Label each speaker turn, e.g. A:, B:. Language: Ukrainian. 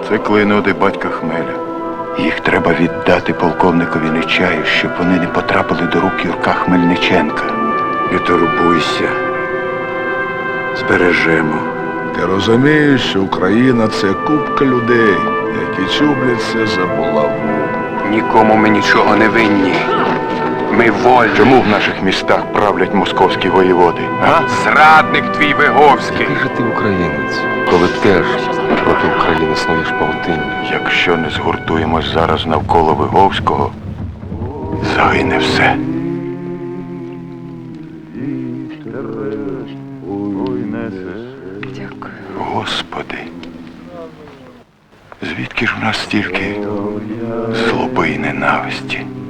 A: Це клейноди батька Хмеля. Їх треба віддати полковникові Нечаю, щоб вони не потрапили до рук Юрка Хмельниченка. Не турбуйся. Збережемо.
B: Ти розумієш, що Україна – це купка людей, які чубляться за булаву.
A: Нікому ми нічого не винні. Ми вольні. Чому в наших містах правлять московські воєводи? А? Зрадник твій Виговський.
C: Який же ти українець, коли теж проти України снуєш павутиння?
A: Якщо не згуртуємось зараз навколо Виговського, загине все.
D: Дякую.
A: Господи, звідки ж в нас стільки злоби й ненависті?